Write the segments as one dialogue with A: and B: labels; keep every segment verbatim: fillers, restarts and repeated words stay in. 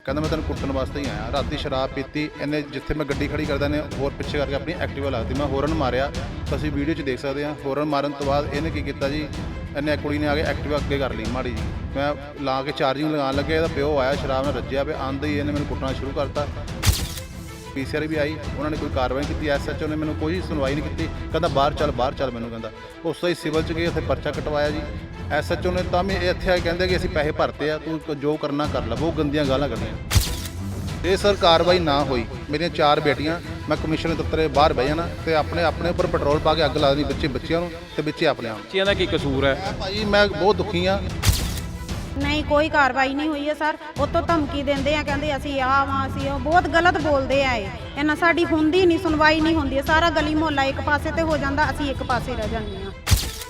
A: ਕਹਿੰਦਾ ਮੈਂ ਤੈਨੂੰ ਕੁੱਟਣ ਵਾਸਤੇ ਹੀ ਆਇਆ। ਰਾਤੀ ਸ਼ਰਾਬ ਪੀਤੀ ਇਹਨੇ, ਜਿੱਥੇ ਮੈਂ ਗੱਡੀ ਖੜੀ ਕਰਦਾ ਨੇ ਹੋਰ ਪਿੱਛੇ ਕਰਕੇ ਆਪਣੀ ਐਕਟਿਵਾ ਲਾਤੀ। ਮੈਂ ਹੋਰਨ ਮਾਰਿਆ, ਤੁਸੀਂ ਵੀਡੀਓ 'ਚ ਦੇਖ ਸਕਦੇ ਹਾਂ। ਹੋਰਨ ਮਾਰਨ ਤੋਂ ਬਾਅਦ ਇਹਨੇ ਕੀ ਕੀਤਾ ਜੀ, ਇਹਨੇ ਕੁੜੀ ਨੇ ਆ ਕੇ ਐਕਟਿਵਾ ਅੱਗੇ ਕਰ ਲਈ ਮਾੜੀ ਜੀ। ਮੈਂ ਲਾ ਕੇ ਚਾਰਜਿੰਗ ਲਗਾਉਣ ਲੱਗਿਆ, ਇਹਦਾ ਪਿਓ ਆਇਆ ਸ਼ਰਾਬ ਨਾਲ ਰੱਜਿਆ ਪਿਆ, ਆਂਦੇ ਹੀ ਇਹਨੇ ਮੈਨੂੰ ਕੁੱਟਣਾ ਸ਼ੁਰੂ ਕਰਤਾ। ਪੀ ਸੀ ਆਰ ਵੀ ਆਈ, ਉਹਨਾਂ ਨੇ ਕੋਈ ਕਾਰਵਾਈ ਕੀਤੀ। ਐਸ ਐਚ ਓ ਨੇ ਮੈਨੂੰ ਕੋਈ ਸੁਣਵਾਈ ਨਹੀਂ ਕੀਤੀ, ਕਹਿੰਦਾ ਬਾਹਰ ਚੱਲ ਬਾਹਰ ਚੱਲ ਮੈਨੂੰ ਕਹਿੰਦਾ। ਉਸ ਤੋਂ ਹੀ ਸਿਵਲ 'ਚ ਗਏ, ਉੱਥੇ ਪਰਚਾ ਕਟਵਾਇਆ ਜੀ। ਐਸ ਐਚ ਓ ਨੇ ਤਾਂ ਵੀ ਇੱਥੇ ਆ ਕੇ ਕਹਿੰਦੇ ਕਿ ਅਸੀਂ ਪੈਸੇ ਭਰਤੇ ਆ, ਤੂੰ ਜੋ ਕਰਨਾ ਕਰ ਲੈ। ਬਹੁਤ ਗੰਦੀਆਂ ਗਾਲਾਂ ਕੱਢੀਆਂ। ਇਹ ਸਰ ਕਾਰਵਾਈ ਨਾ ਹੋਈ, ਮੇਰੀਆਂ ਚਾਰ ਬੇਟੀਆਂ, ਮੈਂ ਕਮਿਸ਼ਨਰ ਦਫ਼ਤਰ ਬਾਹਰ ਬਹਿ ਜਾਣਾ ਤੇ ਆਪਣੇ ਆਪਣੇ ਉੱਪਰ ਪੈਟਰੋਲ ਪਾ ਕੇ ਅੱਗ ਲਾ ਦੇਣੀ, ਬੱਚੇ ਬੱਚਿਆਂ ਨੂੰ ਤੇ ਬੱਚੇ ਆਪਣੇ ਆਪ।
B: ਬੱਚਿਆਂ ਦਾ ਕੀ ਕਸੂਰ ਹੈ
A: ਭਾਜੀ? ਮੈਂ ਬਹੁਤ ਦੁਖੀ ਹਾਂ।
C: ਨਹੀਂ ਕੋਈ ਕਾਰਵਾਈ ਨਹੀਂ ਹੋਈ ਹੈ ਸਰ। ਉਤੋਂ ਧਮਕੀ ਦਿੰਦੇ ਆ, ਕਹਿੰਦੇ ਅਸੀਂ ਆਹ ਵਾਂ ਅਸੀਂ ਉਹ, ਬਹੁਤ ਗਲਤ ਬੋਲਦੇ ਆ। ਇਹ ਇਹਨਾਂ ਸਾਡੀ ਹੁੰਦੀ ਨਹੀਂ, ਸੁਣਵਾਈ ਨਹੀਂ ਹੁੰਦੀ। ਸਾਰਾ ਗਲੀ ਮੁਹੱਲਾ ਇੱਕ ਪਾਸੇ ਤੇ ਹੋ ਜਾਂਦਾ, ਅਸੀਂ ਇੱਕ ਪਾਸੇ ਰਹਿ ਜਾਂਦੇ ਹਾਂ।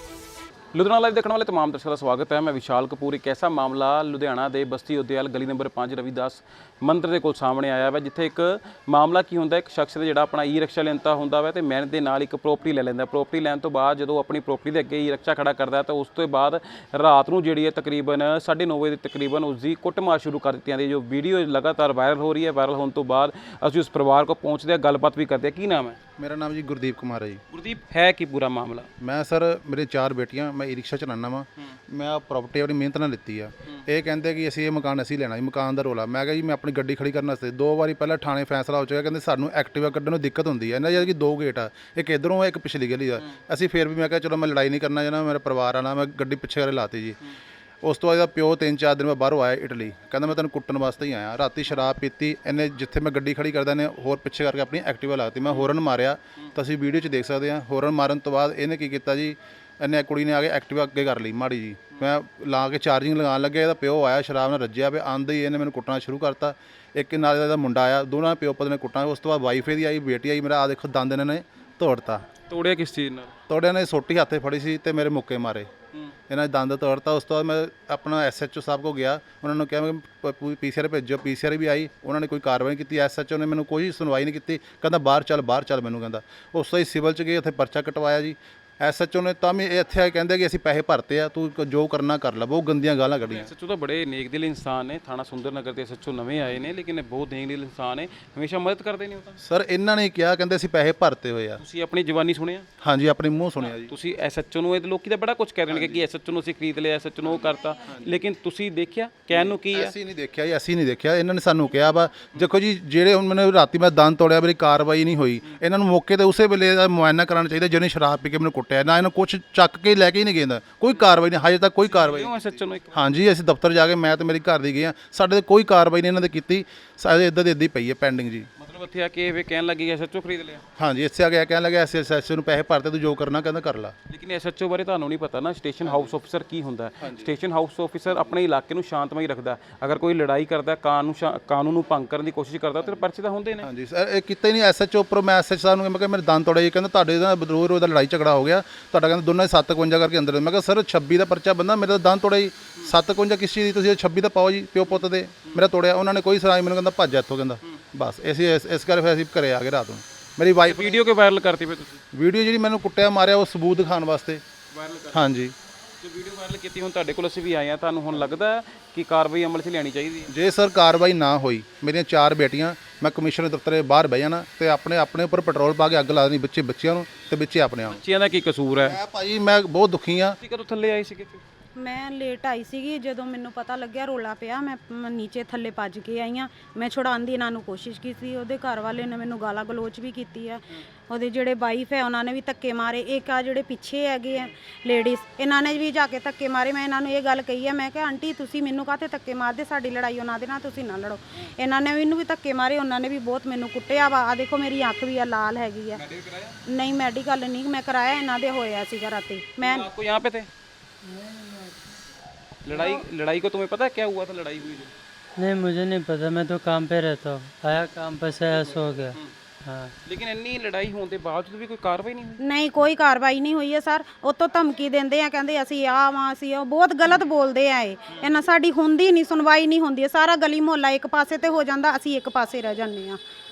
B: ਲੁਧਿਆਣਾ ਲਾਈਵ ਦੇਖਣ ਵਾਲੇ तमाम ਦਰਸ਼ਕਾਂ ਦਾ ਸਵਾਗਤ ਹੈ। ਮੈਂ ਵਿਸ਼ਾਲ ਕਪੂਰ। ਇੱਕ ਐਸਾ ਮਾਮਲਾ ਲੁਧਿਆਣਾ ਦੇ ਬਸਤੀ ਉਦਿਆਲ ਗਲੀ ਨੰਬਰ ਪੰਜ ਰਵੀਦਾਸ ਮੰਦਰ ਦੇ ਕੋਲ ਸਾਹਮਣੇ ਆਇਆ ਵਾ, ਜਿੱਥੇ ਇੱਕ ਮਾਮਲਾ ਕੀ ਹੁੰਦਾ, ਇੱਕ ਸ਼ਖਸ ਦੇ ਜਿਹੜਾ ਆਪਣਾ ਈ ਰਿਕਸ਼ਾ ਲੈਂਦਾ ਹੁੰਦਾ ਵਾ ਤੇ ਮਿਹਨਤ ਦੇ ਨਾਲ ਇੱਕ ਪ੍ਰੋਪਰਟੀ ਲੈ ਲੈਂਦਾ। ਪ੍ਰੋਪਰਟੀ ਲੈਣ ਤੋਂ ਬਾਅਦ ਜਦੋਂ ਆਪਣੀ ਪ੍ਰੋਪਰਟੀ ਦੇ ਅੱਗੇ ਈ ਰਿਕਸ਼ਾ ਖੜਾ ਕਰਦਾ ਤਾਂ ਉਸ ਤੋਂ ਬਾਅਦ ਰਾਤ ਨੂੰ ਜਿਹੜੀ ਹੈ ਤਕਰੀਬਨ ਸਾਢੇ ਨੌ ਵਜੇ ਦੇ ਤਕਰੀਬਨ ਉਸ ਦੀ ਕੁੱਟਮਾਰ ਸ਼ੁਰੂ ਕਰ ਦਿੱਤੀ ਜਾਂਦੀ। ਜੋ ਵੀਡੀਓ ਲਗਾਤਾਰ ਵਾਇਰਲ ਹੋ ਰਹੀ ਹੈ, ਵਾਇਰਲ ਹੋਣ ਤੋਂ ਬਾਅਦ ਅਸੀਂ ਉਸ ਪਰਿਵਾਰ ਕੋਲ ਪਹੁੰਚਦੇ ਹਾਂ, ਗੱਲਬਾਤ ਵੀ ਕਰਦੇ ਹਾਂ। ਕੀ ਨਾਮ ਹੈ?
A: ਮੇਰਾ ਨਾਮ ਜੀ ਗੁਰਦੀਪ ਕੁਮਾਰ ਹੈ ਜੀ।
B: ਗੁਰਦੀਪ, ਹੈ ਕੀ ਪੂਰਾ ਮਾਮਲਾ?
A: ਮੈਂ ਸਰ, ਮੇਰੇ ਚਾਰ ਬੇਟੀਆਂ, ਮੈਂ ਈ ਰਿਕਸ਼ਾ ਚਲਾਉਂਦਾ ਵਾਂ। ਮੈਂ ਆ ਪ੍ਰਾਪਰਟੀ ਆਪਣੀ ਮਿਹਨਤ ਨਾਲ ਲਿੱਤੀ ਆ। ਇਹ ਕਹਿੰਦੇ ਕਿ ਅਸੀਂ ਇਹ ਮਕਾਨ ਅਸੀਂ ਲੈਣਾ ਜੀ, ਮਕਾਨ ਦਾ ਰੋਲਾ। ਮੈਂ ਕਿਹਾ ਜੀ ਮੈਂ ਆਪਣੀ ਗੱਡੀ ਖੜੀ ਕਰਨ ਵਾਸਤੇ ਦੋ ਵਾਰੀ ਪਹਿਲਾਂ ਥਾਣੇ ਫੈਸਲਾ ਹੋ ਚੁੱਕਾ, ਕਹਿੰਦੇ ਸਾਨੂੰ ਐਕਟਿਵਾ ਕੱਢਣ ਨੂੰ ਦਿੱਕਤ ਹੁੰਦੀ ਹੈ। ਇਹਨਾਂ ਜਦ ਕਿ ਦੋ ਗੇਟ ਆ, ਇੱਕ ਇੱਧਰੋਂ ਇੱਕ ਪਿਛਲੀ ਗਲੀ ਦਾ। ਅਸੀਂ ਫਿਰ ਵੀ ਮੈਂ ਕਿਹਾ ਚਲੋ ਮੈਂ ਲੜਾਈ ਨਹੀਂ ਕਰਨਾ ਜਨਾ, ਮੇਰਾ ਪਰਿਵਾਰ ਆਣਾ, ਮੈਂ ਗੱਡੀ ਪਿੱਛੇ ਵਾਲੇ ਲਾਤੀ ਜੀ। ਉਸ ਤੋਂ ਬਾਅਦ ਇਹਦਾ ਪਿਓ ਤਿੰਨ ਚਾਰ ਦਿਨ ਮੈਂ ਬਾਹਰੋਂ ਆਇਆ ਇਟਲੀ, ਕਹਿੰਦਾ ਮੈਂ ਤੈਨੂੰ ਕੁੱਟਣ ਵਾਸਤੇ ਹੀ ਆਇਆ। ਰਾਤੀ ਸ਼ਰਾਬ ਪੀਤੀ ਇਹਨੇ, ਜਿੱਥੇ ਮੈਂ ਗੱਡੀ ਖੜੀ ਕਰਦਾ ਨੇ ਹੋਰ ਪਿੱਛੇ ਕਰਕੇ ਆਪਣੀ ਐਕਟਿਵਾ ਲਾਤੀ। ਮੈਂ ਹੋਰਨ ਮਾਰਿਆ, ਤੁਸੀਂ ਵੀਡੀਓ 'ਚ ਦੇਖ ਸਕਦੇ ਹਾਂ। ਹੋਰਨ ਮਾਰਨ ਤੋਂ ਬਾਅਦ ਇਹਨੇ ਕੀ ਕੀਤਾ ਜੀ, ਇਹਨੇ ਕੁੜੀ ਨੇ ਆ ਕੇ ਐਕਟਿਵਾ ਅੱਗੇ ਕਰ ਲਈ ਮਾੜੀ ਜੀ। ਮੈਂ ਲਾ ਕੇ ਚਾਰਜਿੰਗ ਲਗਾਉਣ ਲੱਗਿਆ, ਇਹਦਾ ਪਿਓ ਆਇਆ ਸ਼ਰਾਬ ਨਾਲ ਰੱਜਿਆ ਪਿਆ, ਆਂਦੇ ਹੀ ਇਹਨੇ ਮੈਨੂੰ ਕੁੱਟਣਾ ਸ਼ੁਰੂ ਕਰਤਾ। ਇੱਕ ਨਾਲ ਇਹਦਾ ਮੁੰਡਾ ਆਇਆ, ਦੋਨਾਂ ਪਿਓ ਪੁੱਤ ਨੇ ਕੁੱਟਣਾ। ਉਸ ਤੋਂ ਬਾਅਦ ਵਾਈਫ ਇਹਦੀ ਆਈ, ਬੇਟੀ ਆਈ, ਮੇਰਾ ਆ ਦੇਖੋ ਦੰਦ ਇਹਨਾਂ ਨੇ ਤੋੜਤਾ।
B: ਤੋੜਿਆ ਕਿਸ ਚੀਜ਼ ਨਾਲ?
A: ਤੋੜਿਆ ਨੇ ਸੋਟੀ ਹੱਥੇ ਫੜੀ ਸੀ ਤੇ ਮੇਰੇ ਮੁੱਕੇ ਮਾਰੇ, ਇਹਨਾਂ ਨੇ ਦੰਦ ਤੋੜਤਾ। ਉਸ ਤੋਂ ਬਾਅਦ ਮੈਂ ਆਪਣਾ ਐਸ ਐਚ ਓ ਸਾਹਿਬ ਕੋਲ ਗਿਆ, ਉਹਨਾਂ ਨੂੰ ਕਿਹਾ ਮੈਂ ਪੀ ਸੀ ਆਰ ਭੇਜੋ। ਪੀ ਸੀ ਆਰ ਵੀ ਆਈ, ਉਹਨਾਂ ਨੇ ਕੋਈ ਕਾਰਵਾਈ ਕੀਤੀ। ਐਸ ਐਚ ਓ ਨੇ ਮੈਨੂੰ ਕੋਈ ਸੁਣਵਾਈ ਨਹੀਂ ਕੀਤੀ, ਕਹਿੰਦਾ ਬਾਹਰ ਚੱਲ ਬਾਹਰ ਚੱਲ ਮੈਨੂੰ ਕਹਿੰਦਾ। ਉਸ ਤੋਂ ਹੀ ਸਿਵਲ 'ਚ ਗਏ, ਉੱਥੇ ਪਰਚਾ ਕਟਵਾਇਆ ਜੀ। ਐਸ ਐਚ ਓ ਨੇ ਤਾਂ ਵੀ ਇੱਥੇ ਆ ਕੇ ਕਹਿੰਦੇ ਕਿ ਅਸੀਂ ਪੈਸੇ ਭਰਤੇ ਆ, ਤੂੰ ਜੋ ਕਰਨਾ ਕਰ ਲੈ। ਬਹੁਤ ਗੰਦੀਆਂ ਗਾਲਾਂ ਕੱਢੀਆਂ।
B: ਐਸ ਐਚ ਓ ਤਾਂ ਬੜੇ ਨੇਕ ਦਿਲ ਇਨਸਾਨ ਨੇ, ਥਾਣਾ ਸੁੰਦਰ ਨਗਰ ਦੇ ਐਸ ਐਚ ਓ ਨਵੇਂ ਆਏ ਨੇ, ਲੇਕਿਨ ਇਹ ਬਹੁਤ ਨੇਕ ਦਿਲ ਇਨਸਾਨ ਨੇ, ਹਮੇਸ਼ਾ ਮਦਦ ਕਰਦੇ ਨੇ ਉਹ ਤਾਂ।
A: ਸਰ ਇਹਨਾਂ ਨੇ ਕਿਹਾ, ਕਹਿੰਦੇ ਅਸੀਂ ਪੈਸੇ ਭਰਤੇ ਹੋਏ ਆ।
B: ਤੁਸੀਂ ਆਪਣੀ ਜ਼ਬਾਨੀ ਸੁਣਿਆ?
A: ਹਾਂਜੀ, ਆਪਣੇ ਮੂੰਹ ਸੁਣਿਆ ਜੀ।
B: ਤੁਸੀਂ ਐਸ ਐਚ ਓ ਨੂੰ, ਇਹ ਲੋਕੀ ਤਾਂ ਬੜਾ ਕੁਝ ਕਹਿ ਰਹੇ ਨੇ ਕਿ ਐਸ ਐਚ ਓ ਨੂੰ ਅਸੀਂ ਖਰੀਦ ਲਿਆ, ਐਸ ਐਚ ਓ ਨੂੰ ਉਹ ਕਰਤਾ, ਲੇਕਿਨ ਤੁਸੀਂ ਦੇਖਿਆ ਕਹਿਣ ਨੂੰ ਕੀ ਹੈ?
A: ਅਸੀਂ ਨਹੀਂ ਦੇਖਿਆ ਜੀ, ਅਸੀਂ ਨਹੀਂ ਦੇਖਿਆ। ਇਹਨਾਂ ਨੇ ਸਾਨੂੰ ਕਿਹਾ ਵਾ ਦੇਖੋ ਜੀ, ਜਿਹੜੇ ਹੁਣ ਮੈਨੂੰ ਰਾਤੀ ਮੈਂ ਦੰਦ ਤੋੜਿਆ, ਮੇਰੀ ਕਾਰਵਾਈ ਨਹੀਂ ਹੋਈ। ਇਹਨਾਂ ਨੂੰ ਮੌਕੇ ਤੇ ਉਸੇ ਵੇਲੇ ਦਾ ਮੁਆਇਨਾ ਕਰਾਉਣਾ ਚਾਹੀਦਾ, ਜਿਹਨੇ ਸ਼ਰਾਬ ਪੀ ਕੇ ਮੈਨੂੰ ਕੁੱਟਿਆ। ਨਾ ਇਹਨਾਂ ਕੁਛ ਚੱਕ ਕੇ ਲੈ ਕੇ ਹੀ ਨਹੀਂ ਗਿਆ, ਕੋਈ ਕਾਰਵਾਈ ਨਹੀਂ, ਹਜੇ ਤੱਕ ਕੋਈ ਕਾਰਵਾਈ ਨਹੀਂ।
B: ਐਸ ਐਚ ਓ ਨੂੰ ਇੱਕ
A: ਹਾਂਜੀ, ਅਸੀਂ ਦਫ਼ਤਰ ਜਾ ਕੇ, ਮੈਂ ਤੇ ਮੇਰੀ ਘਰ ਦੀ ਗਏ ਆ, ਸਾਡੇ ਤੇ ਕੋਈ ਕਾਰਵਾਈ ਨਹੀਂ ਇਹਨਾਂ ਨੇ ਕੀਤੀ। ਸਾਡੇ ਇੱਦਾਂ ਦੀ ਇੱਦਾਂ ਹੀ ਪਈ ਹੈ ਪੈਂਡਿੰਗ ਜੀ।
B: ਮਤਲਬ ਇੱਥੇ ਆ ਕੇ ਇਹ ਕਹਿਣ ਲੱਗੀ ਐਸ ਐਚ ਓ ਖਰੀਦ ਲਿਆ?
A: ਹਾਂਜੀ, ਇੱਥੇ ਆ ਗਿਆ ਕਹਿਣ ਲੱਗਾ ਐਸ ਐਸ ਐਸ ਨੂੰ ਪੈਸੇ ਭਰਤੇ, ਤੂੰ ਜੋ ਕਰਨਾ ਕਹਿੰਦਾ ਕਰ ਲਾ।
B: ਲੇਕਿਨ ਐਸ ਐਚ ਓ ਬਾਰੇ ਤੁਹਾਨੂੰ ਨਹੀਂ ਪਤਾ ਨਾ, ਸਟੇਸ਼ਨ ਹਾਊਸ ਆਫੀਸਰ ਕੀ ਹੁੰਦਾ ਹੈ। ਸਟੇਸ਼ਨ ਹਾਊਸ ਆਫੀਸਰ ਆਪਣੇ ਇਲਾਕੇ ਨੂੰ ਸ਼ਾਂਤਮਈ ਰੱਖਦਾ। ਅਗਰ ਕੋਈ ਲੜਾਈ ਕਰਦਾ, ਕਾਨੂੰਨ ਕਾਨੂੰਨ ਨੂੰ ਭੰਗ ਕਰਨ ਦੀ ਕੋਸ਼ਿਸ਼ ਕਰਦਾ ਤੇ ਪਰਚੇ ਤਾਂ ਹੁੰਦੇ ਨੇ।
A: ਹਾਂਜੀ ਸਰ, ਇਹ ਕੀਤਾ ਹੀ ਨਹੀਂ। ਐਸ ਐਚ ਓ ਉੱਪਰੋਂ ਮੈਂ ਐਸ ਐਚ ਸਾਹਿਬ ਨੂੰ ਮੈਂ ਕਿਹਾ ਮੇਰੇ ਦੰਦ ਤੋੜੇ ਜੀ, ਕਹਿੰਦਾ ਤੁਹਾਡੇ ਦਾ ਰੋਜ਼ ਰੋਜ਼ ਦਾ ਲੜਾਈ ਝਗੜਾ ਹੋ ਗਿਆ, ਤੁਹਾਡਾ ਕਹਿੰਦਾ ਦੋਨਾਂ ਦੇ ਸੱਤ ਇਕਵੰਜਾ ਕਰਕੇ ਅੰਦਰ। ਮੈਂ ਕਿਹਾ ਸਰ ਛੱਬੀ ਦਾ ਪਰਚਾ ਬੰਦਾ, ਮੇਰੇ ਤਾਂ ਦੰਦ ਤੋੜੇ ਜੀ, ਸੱਤ ਇਕਵੰਜਾ ਕਿਸ ਚੀਜ਼ ਦੀ, ਤੁਸੀਂ ਛੱਬੀ ਦਾ ਪਾਓ ਜੀ, ਪਿਓ ਪੁੱਤ ਦੇ। ਮੇਰਾ ਤੋੜਿਆ, ਉਹਨਾਂ ਨੇ ਕੋਈ ਸੁਣਾਈ, ਮੈਨੂੰ ਕਹਿੰਦਾ ਭੱਜ ਇੱਥੋਂ ਕਹਿੰਦਾ। ਬਸ ਅਸੀਂ ਇਸ ਇਸ ਕਰਕੇ ਫਿਰ ਅਸੀਂ ਘਰੇ ਆ ਗਏ ਰਾਤ ਨੂੰ। ਮੇਰੀ ਵਾਈਫ
B: ਵੀਡੀਓ ਕਿਉਂ ਵਾਇਰਲ ਕਰਤੀ ਫਿਰ ਤੁਸੀਂ?
A: ਵੀਡੀਓ ਜਿਹੜੀ ਮੈਨੂੰ ਕੁੱਟਿਆ ਮਾਰਿਆ ਉਹ ਸਬੂਤ ਦਿਖਾਉਣ ਵਾਸਤੇ
B: ਵਾਇਰਲ ਕਰ
A: ਹਾਂਜੀ।
B: ਜੋ ਵੀਡੀਓ ਵਾਇਰਲ ਕੀਤੀ ਹੁਣ ਤੁਹਾਡੇ ਕੋਲ ਅਸੀਂ ਵੀ ਆਏ ਆ, ਤੁਹਾਨੂੰ ਹੁਣ ਲੱਗਦਾ ਹੈ ਕਿ ਕਾਰਵਾਈ ਅਮਲ 'ਚ ਲਿਆਉਣੀ ਚਾਹੀਦੀ ਹੈ?
A: ਜੇ ਸਰ ਕਾਰਵਾਈ ਨਾ ਹੋਈ, ਮੇਰੀਆਂ ਚਾਰ ਬੇਟੀਆਂ, ਮੈਂ ਕਮਿਸ਼ਨਰ ਦਫ਼ਤਰ ਬਾਹਰ ਬਹਿ ਜਾਣਾ ਤੇ ਆਪਣੇ ਆਪਣੇ ਉੱਪਰ ਪੈਟਰੋਲ ਪਾ ਕੇ ਅੱਗ ਲਾ ਦੇਣੀ, ਬੱਚੇ ਬੱਚਿਆਂ ਨੂੰ ਤੇ ਬੱਚੇ ਆਪਣੇ ਆਪ।
B: ਬੱਚਿਆਂ ਦਾ ਕੀ ਕਸੂਰ ਹੈ?
A: ਮੈਂ ਭਾਜੀ ਮੈਂ ਬਹੁਤ ਦੁਖੀ ਹਾਂ।
B: ਤੁਸੀਂ ਕਦੋਂ ਥੱਲੇ ਆਏ ਸੀਗੇ?
C: ਮੈਂ ਲੇਟ ਆਈ ਸੀਗੀ, ਜਦੋਂ ਮੈਨੂੰ ਪਤਾ ਲੱਗਿਆ ਰੋਲਾ ਪਿਆ, ਮੈਂ ਮ- ਨੀਚੇ ਥੱਲੇ ਭੱਜ ਕੇ ਆਈ ਹਾਂ। ਮੈਂ ਛੁਡਾਉਣ ਦੀ ਇਹਨਾਂ ਨੂੰ ਕੋਸ਼ਿਸ਼ ਕੀਤੀ, ਉਹਦੇ ਘਰ ਵਾਲੇ ਨੇ ਮੈਨੂੰ ਗਾਲਾਂ ਗਲੋਚ ਵੀ ਕੀਤੀ ਹੈ। ਉਹਦੇ ਜਿਹੜੇ ਵਾਈਫ ਹੈ ਉਹਨਾਂ ਨੇ ਵੀ ਧੱਕੇ ਮਾਰੇ। ਇੱਕ ਆ ਜਿਹੜੇ ਪਿੱਛੇ ਹੈਗੇ ਆ ਲੇਡੀਜ਼, ਇਹਨਾਂ ਨੇ ਵੀ ਜਾ ਕੇ ਧੱਕੇ ਮਾਰੇ। ਮੈਂ ਇਹਨਾਂ ਨੂੰ ਇਹ ਗੱਲ ਕਹੀ ਹੈ, ਮੈਂ ਕਿਹਾ ਆਂਟੀ ਤੁਸੀਂ ਮੈਨੂੰ ਕਾਹਤੇ ਧੱਕੇ ਮਾਰਦੇ, ਸਾਡੀ ਲੜਾਈ ਉਹਨਾਂ ਦੇ ਨਾਲ, ਤੁਸੀਂ ਨਾ ਲੜੋ। ਇਹਨਾਂ ਨੇ ਮੈਨੂੰ ਵੀ ਧੱਕੇ ਮਾਰੇ, ਉਹਨਾਂ ਨੇ ਵੀ ਬਹੁਤ ਮੈਨੂੰ ਕੁੱਟਿਆ ਵਾ। ਆ ਦੇਖੋ ਮੇਰੀ ਅੱਖ ਵੀ ਆ ਲਾਲ ਹੈਗੀ ਆ। ਨਹੀਂ ਮੈਡੀਕਲ ਨਹੀਂ ਮੈਂ ਕਰਾਇਆ, ਇਹਨਾਂ ਦੇ ਹੋਇਆ ਸੀਗਾ ਰਾਤੀ। ਮੈਂ
B: आपको यहाँ पे थे? लड़ाई लड़ाई को तुम्हें पता है क्या हुआ था? लड़ाई हुई जो?
D: नहीं मुझे नहीं पता, मैं तो काम पे रहता हूँ, आया काम पर से आया सो गया। हाँ
B: लेकिन इन्नी लड़ाई होने के बावजूद भी कोई कार्रवाई नहीं हुई?
C: ਨਹੀਂ ਕੋਈ ਕਾਰਵਾਈ ਨਹੀਂ ਹੋਈ ਹੈ ਸਰ। ਉਤੋਂ ਧਮਕੀ ਦਿੰਦੇ ਆ, ਕਹਿੰਦੇ ਅਸੀਂ ਆਹ ਵਾਂ ਅਸੀਂ ਉਹ, ਬਹੁਤ ਗਲਤ ਬੋਲਦੇ ਆ। ਇਹ ਇਹਨਾਂ ਸਾਡੀ ਹੁੰਦੀ ਨਹੀਂ, ਸੁਣਵਾਈ ਨਹੀਂ ਹੁੰਦੀ। ਸਾਰਾ ਗਲੀ ਮੁਹੱਲਾ ਇੱਕ ਪਾਸੇ ਤੇ ਹੋ ਜਾਂਦਾ, ਅਸੀਂ ਇੱਕ ਪਾਸੇ ਰਹਿ ਜਾਂਦੇ ਆ।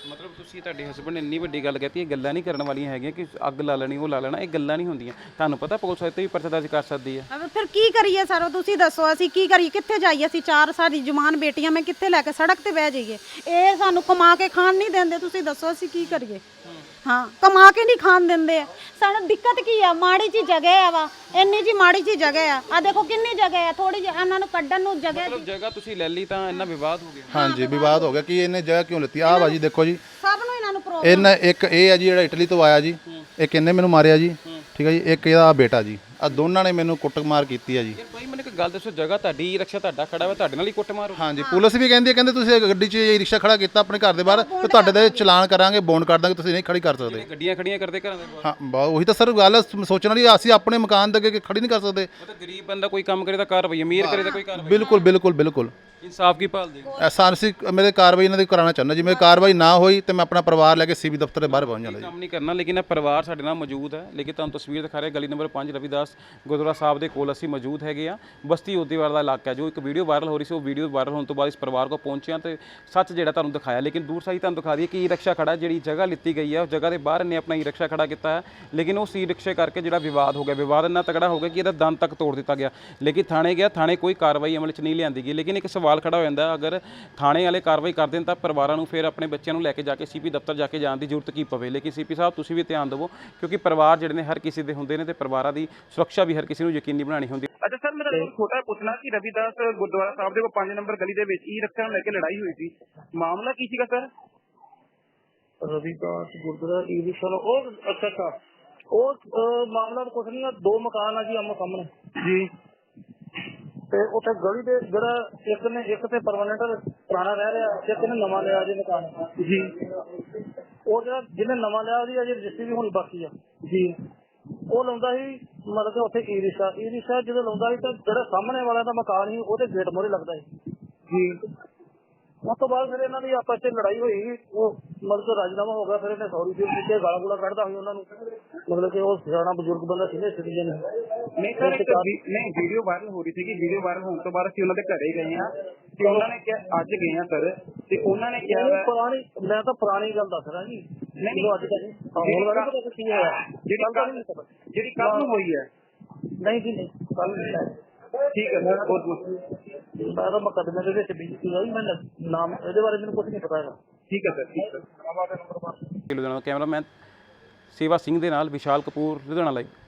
B: ਮਤਲਬ ਤੁਸੀਂ ਤੁਹਾਡੇ ਹਸਬੰਡ ਨੇ ਇੰਨੀ ਵੱਡੀ ਗੱਲ ਕਹਤੀ, ਇਹ ਗੱਲਾਂ ਨਹੀਂ ਕਰਨ ਵਾਲੀਆਂ ਹੈਗੀਆਂ ਕਿ ਅੱਗ ਲਾ ਲੈਣੀ ਉਹ ਲਾ ਲੈਣਾ, ਇਹ ਗੱਲਾਂ ਨਹੀਂ ਹੁੰਦੀਆਂ। ਤੁਹਾਨੂੰ ਪਤਾ ਪੁਲਿਸ ਇੱਥੇ ਵੀ ਪਰਚਾ ਦਰਜ ਕਰ ਸਕਦੀ ਹੈ।
C: ਅਬ ਫਿਰ ਕੀ ਕਰੀਏ ਸਰ, ਤੁਸੀਂ ਦੱਸੋ ਅਸੀਂ ਕੀ ਕਰੀਏ, ਕਿੱਥੇ ਜਾਈਏ? ਅਸੀਂ ਚਾਰ ਸਾਡੀ ਜਵਾਨ ਬੇਟੀਆਂ ਮੈਂ ਕਿੱਥੇ ਲੈ ਕੇ ਸੜਕ ਤੇ ਬਹਿ ਜਾਈਏ? ਇਹ ਸਾਨੂੰ ਕਮਾ ਕੇ ਖਾਣ ਨਹੀਂ ਦਿੰਦੇ, ਤੁਸੀਂ ਦੱਸੋ ਅਸੀਂ ਕੀ ਕਰੀਏ? ਹਾਂ, ਕਮਾ ਕੇ ਨਹੀਂ ਖਾਣ ਦਿੰਦੇ ਆ ਸਾਨੂੰ। ਦਿੱਕਤ ਕੀ ਆ? ਮਾੜੀ ਜੀ ਜਗ੍ਹਾ ਆ ਵਾ, ਇੰਨੀ ਜੀ ਮਾੜੀ ਜੀ ਜਗ੍ਹਾ ਆ। ਆ ਦੇਖੋ ਕਿੰਨੀ ਜਗ੍ਹਾ ਆ, ਥੋੜੀ ਜਿਹੀ ਇਹਨਾਂ ਨੂੰ ਕੱਢਣ ਨੂੰ ਜਗ੍ਹਾ।
B: ਮਤਲਬ ਜਗ੍ਹਾ ਤੁਸੀਂ ਲੈ ਲਈ ਤਾਂ ਇੰਨਾ ਵਿਵਾਦ ਹੋ ਗਿਆ।
A: ਹਾਂਜੀ, ਵਿਵਾਦ ਹੋ ਗਿਆ ਕਿ ਇਹਨੇ ਜਗ੍ਹਾ ਕਿਉਂ ਲਿੱਤੀ। ਆਹ ਵਾ ਜੀ ਦੇਖੋ ਜੀ,
C: ਸਭ ਨੂੰ ਇਹਨਾਂ ਨੂੰ ਪ੍ਰੋਬਲਮ।
A: ਇਹਨਾਂ ਇੱਕ ਇਹ ਹੈ ਜੀ ਜਿਹੜਾ ਇਟਲੀ ਤੋਂ ਆਇਆ ਜੀ, ਇੱਕ ਇਹਨੇ ਮੈਨੂੰ ਮਾਰਿਆ ਜੀ, ਠੀਕ ਹੈ ਜੀ, ਇੱਕ ਇਹਦਾ ਬੇਟਾ ਜੀ, ਆ ਦੋਨਾਂ ਨੇ ਮੈਨੂੰ ਕੁੱਟਮਾਰ ਕੀਤੀ ਹੈ ਜੀ।
B: ਯਾਰ ਭਾਈ ਮੈਨੂੰ ਇੱਕ ਗੱਲ ਦੱਸੋ, ਜਗ੍ਹਾ ਤੁਹਾਡੀ, ਰਿਕਸ਼ਾ ਤੁਹਾਡਾ ਖੜਾ ਹੋਇਆ, ਤੁਹਾਡੇ ਨਾਲ ਹੀ ਕੁੱਟਮਾਰ ਹੋ ਗਈ?
A: ਹਾਂਜੀ, ਪੁਲਿਸ ਵੀ ਕਹਿੰਦੀ ਹੈ, ਕਹਿੰਦੇ ਤੁਸੀਂ ਗੱਡੀ 'ਚ ਇਹ ਰਿਕਸ਼ਾ ਖੜਾ ਕੀਤਾ ਆਪਣੇ ਘਰ ਦੇ ਬਾਹਰ ਤੇ ਤੁਹਾਡੇ ਤੇ ਚਲਾਨ ਕਰਾਂਗੇ, ਬੌਂਡ ਕਰ ਦਾਂਗੇ, ਤੁਸੀਂ ਨਹੀਂ ਖੜੀ ਕਰ ਸਕਦੇ।
B: ਗੱਡੀਆਂ ਖੜੀਆਂ ਕਰਦੇ ਘਰਾਂ ਦੇ ਬਾਹਰ।
A: ਹਾਂ, ਬਾ- ਉਹੀ ਤਾਂ ਸਰ ਗੱਲ ਹੈ, ਸੋਚਣ ਵਾਲੀ। ਅਸੀਂ ਆਪਣੇ ਮਕਾਨ ਦੇ ਅੱਗੇ ਖੜੀ ਨਹੀਂ ਕਰ ਸਕਦੇ।
B: ਮਤਲਬ ਗਰੀਬ ਬੰਦਾ ਕੋਈ ਕੰਮ ਕਰੇ ਤਾਂ ਕਾਰਵਾਈ, ਅਮੀਰ ਕਰੇ ਤਾਂ ਕੋਈ ਕਾਰਵਾਈ।
A: ਬਿਲਕੁਲ ਬਿਲਕੁਲ ਬਿਲਕੁਲ
B: ਇਨਸਾਫ ਕੀ ਭਾਲਦੇ ਹੋ?
A: ਐਸਾ ਅਸੀਂ ਮੇਰੇ ਕਾਰਵਾਈ ਇਹਨਾਂ ਦੀ ਕਰਾਉਣਾ ਚਾਹੁੰਦਾ ਜੀ। ਮੇਰੀ ਕਾਰਵਾਈ ਨਾ ਹੋਈ ਤੇ ਮੈਂ ਆਪਣਾ ਪਰਿਵਾਰ ਲੈ ਕੇ ਸੀਬੀ ਦਫ਼ਤਰ ਦੇ ਬਾਹਰ ਪਹੁੰਚ ਜਾਂਦਾ ਜੀ।
B: ਕੰਮ ਨਹੀਂ ਕਰਨਾ, ਲੇਕਿਨ ਇਹ ਪਰਿਵਾਰ ਸਾਡੇ ਨਾਲ ਮੌਜੂਦ ਹੈ। ਲੇਕਿਨ ਤੁਹਾਨੂੰ ਤਸਵੀਰ ਦਿਖਾ ਰਿਹਾ ਗਲੀ ਨੰਬਰ ਪੰਜ ਰਵਿਦਾਸ ਗੁਰਦੁਆਰਾ ਸਾਹਿਬ ਦੇ ਕੋਲ ਅਸੀਂ ਮੌਜੂਦ ਹੈਗੇ ਆ। ਬਸਤੀ ਓਦੀਵਾਲ ਦਾ ਇਲਾਕਾ ਜੋ ਇੱਕ ਵੀਡੀਓ ਵਾਇਰਲ ਹੋ ਰਹੀ ਸੀ, ਉਹ ਵੀਡੀਓ ਵਾਇਰਲ ਹੋਣ ਤੋਂ ਬਾਅਦ ਇਸ ਪਰਿਵਾਰ ਕੋਲ ਪਹੁੰਚਿਆ ਤੇ ਸੱਚ ਜਿਹੜਾ ਤੁਹਾਨੂੰ ਦਿਖਾਇਆ। ਲੇਕਿਨ ਦੂਰ ਸਾਈ ਤੁਹਾਨੂੰ ਦਿਖਾ ਦਈਏ ਕਿ ਈ ਰਿਕਸ਼ਾ ਖੜਾ, ਜਿਹੜੀ ਜਗ੍ਹਾ ਲਿੱਤੀ ਗਈ ਹੈ ਉਸ ਜਗ੍ਹਾ ਦੇ ਬਾਹਰ ਇਹਨੇ ਆਪਣਾ ਈ ਰਿਕਸ਼ਾ ਖੜਾ ਕੀਤਾ ਹੈ। ਲੇਕਿਨ ਉਸ ਈ ਰਿਕਸ਼ੇ ਕਰਕੇ ਜਿਹੜਾ ਵਿਵਾਦ ਹੋ ਗਿਆ, ਵਿਵਾਦ ਇੰਨਾ ਤਕੜਾ ਹੋ ਗਿਆ ਕਿ ਇਹਦਾ ਦੰਦ ਤੱਕ ਤੋੜ ਦਿੱਤਾ ਗਿਆ। ਲੇਕਿਨ ਥਾਣੇ ਗਿਆ, ਥਾਣੇ ਕੋਈ ਕਾਰਵਾਈ ਅਮਲ 'ਚ ਨਹੀਂ ਲਿਆਂਦੀ ਗਈ। ਲੇਕਿਨ ਇੱਕ ਸਵਾਲ ਖੜਾ ਹੋ ਜਾਂਦਾ, ਅਗਰ ਥਾਣੇ ਵਾਲੇ ਕਾਰਵਾਈ ਕਰ ਦੇਣ ਤਾਂ ਪਰਿਵਾਰਾਂ ਨੂੰ ਫਿਰ ਆਪਣੇ ਬੱਚਿਆਂ ਨੂੰ ਲੈ ਕੇ ਜਾ ਕੇ ਸੀਪੀ ਦਫ਼ਤਰ ਜਾ ਕੇ ਜਾਣ ਦੀ ਜ਼ਰੂਰਤ ਕੀ ਪਵੇ। ਲੇਕਿਨ ਸੀਪੀ ਸਾਹਿਬ ਤੁਸੀਂ ਵੀ ਧਿਆਨ ਦਿਵੋ, ਕਿਉਂਕਿ ਪਰਿਵਾਰ ਜਿਹੜੇ ਨੇ ਹਰ ਕਿਸੇ ਦੇ ਹੁੰਦੇ ਨੇ ਤੇ ਪਰਿਵਾਰਾਂ ਦੀ ਸੁਰੱਖਿਆ ਵੀ ਹਰ ਕਿਸੇ ਨੂੰ ਯਕੀਨੀ ਬਣਾਉਣੀ ਹੁੰਦੀ।
E: ਅੱਛਾ ਸਰ, ਮੇਰਾ ਤੁਹਾਨੂੰ ਛੋਟਾ ਪੁੱਛਣਾ ਕਿ ਰਵਿਦਾਸ ਗੁਰਦੁਆਰਾ ਸਾਹਿਬ ਦੇ ਕੋਲ ਪੰਜ ਨੰਬਰ ਗਲੀ ਦੇ ਵਿੱਚ ਈ ਰਿਕਸ਼ਾ ਨੂੰ ਲੈ ਕੇ ਲੜਾਈ ਹੋਈ ਸੀ, ਮਾਮਲਾ ਕੀ ਸੀਗਾ sir?
F: Ravidas gurdwara e rickshaw ਨੂੰ ਉਹ ਅੱਛਾ ਅੱਛਾ ਉਹ ਅਹ, ਮਾਮਲਾ ਤਾਂ ਕੁਛ ਨਹੀਂ ਆ। ਦੋ ਮਕਾਨ ਆ ਜੀ ਆਮੋ ਸਾਹਮਣੇ
E: ਜੀ।
F: ਤੇ ਉੱਥੇ ਗਲੀ ਦੇ ਜਿਹੜਾ ਇੱਕ ਨੇ ਇੱਕ ਤੇ ਪਰਮਾਨੈਂਟ ਪੁਰਾਣਾ ਰਹਿ ਰਿਹਾ, ਇੱਕ ਨੇ ਨਵਾਂ ਲਿਆ ਜੀ ਮਕਾਨ
E: ਜੀ।
F: ਉਹ ਜਿਹੜਾ ਜਿਹਨੇ ਨਵਾਂ ਲਿਆ ਉਹਦੀ ਅਜੇ ਰਜਿਸਟਰੀ ਵੀ ਹੋਣੀ ਬਾਕੀ ਆ
E: ਜੀ।
F: ਉਹ ਲਾਉਂਦਾ ਸੀ ਮਤਲਬ ਕਿ ਉੱਥੇ ਈ ਰਿਕਸ਼ਾ ਈ ਰਿਕਸ਼ਾ ਜਦੋਂ ਲਾਉਂਦਾ ਸੀ ਤਾਂ ਜਿਹੜਾ ਸਾਹਮਣੇ ਵਾਲਾ ਦਾ ਮਕਾਨ ਸੀ ਉਹਦੇ ਗੇਟ ਮੋਹਰੇ ਲੱਗਦਾ ਸੀ
E: ਜੀ।
F: ਉਸ ਤੋਂ ਬਾਅਦ ਫਿਰ ਇਹਨਾਂ ਦੀ ਆਪਸ ਵਿੱਚ ਲੜਾਈ ਹੋਈ। ਉਹ ਮਤਲਬ ਕਿ ਰਾਜੀਨਾਮਾ ਹੋ ਗਿਆ। ਫਿਰ ਇਹਨੇ ਸੌਰੀ ਫੀਲ ਕੀਤੀ, ਗਾਲਾਂ ਗੂਲਾਂ ਕੱਢਦਾ ਸੀ ਉਹਨਾਂ ਨੂੰ। ਮਤਲਬ ਕਿ ਉਹ ਸਿਆਣਾ ਬਜ਼ੁਰਗ ਬੰਦਾ ਸੀਨੀਅਰ ਸਿਟੀਜ਼ਨ
E: ਨਹੀਂ ਸਰ, ਇੱਕ ਵੀ- ਨਹੀਂ ਵੀਡੀਓ ਵਾਇਰਲ ਹੋ ਰਹੀ ਸੀ ਕਿ ਵੀਡੀਓ ਵਾਇਰਲ ਹੋਣ ਤੋਂ ਬਾਅਦ ਅਸੀਂ ਉਹਨਾਂ ਦੇ ਘਰੇ ਗਏ ਆ ਤੇ ਉਹਨਾਂ ਨੇ ਕਿਹਾ, ਅੱਜ ਗਏ ਆ ਸਰ, ਤੇ ਉਹਨਾਂ ਨੇ ਕਿਹਾ ਵਾ-
F: ਪੁਰਾਣੀ ਮੈਂ ਤਾਂ ਪੁਰਾਣੀ ਗੱਲ ਦੱਸ ਰਿਹਾ ਜੀ।
E: ਨਹੀਂ
F: ਅੱਜ ਤੱਕ ਹੁਣ ਵਾਲਾ ਪਤਾ ਕੀ ਹੋਇਆ
E: ਜਿਹੜੀ ਕੱਲ ਜਿਹੜੀ ਕੱਲ ਨੂੰ ਹੋਈ ਹੈ।
F: ਨਹੀਂ ਜੀ ਨਹੀਂ ਕੱਲ ਨਹੀਂ।
E: ਠੀਕ ਹੈ ਸਰ, ਬਹੁਤ ਬਹੁਤ
F: ਮੈਂ ਤਾਂ ਮੁਕੱਦਮੇ ਦੇ ਵਿੱਚ ਬੀਜੀ ਸੀ ਮੈਂ ਨਾਮ ਇਹਦੇ ਬਾਰੇ ਮੈਨੂੰ ਕੁਝ ਨਹੀਂ ਪਤਾ ਹੈਗਾ।
E: ਠੀਕ ਹੈ ਸਰ, ਠੀਕ ਹੈ।
B: ਲੁਧਿਆਣਾ ਕੈਮਰਾਮੈਨ ਸੇਵਾ ਸਿੰਘ ਦੇ ਨਾਲ ਵਿਸ਼ਾਲ ਕਪੂਰ, ਲੁਧਿਆਣਾ ਲਾਈਵ।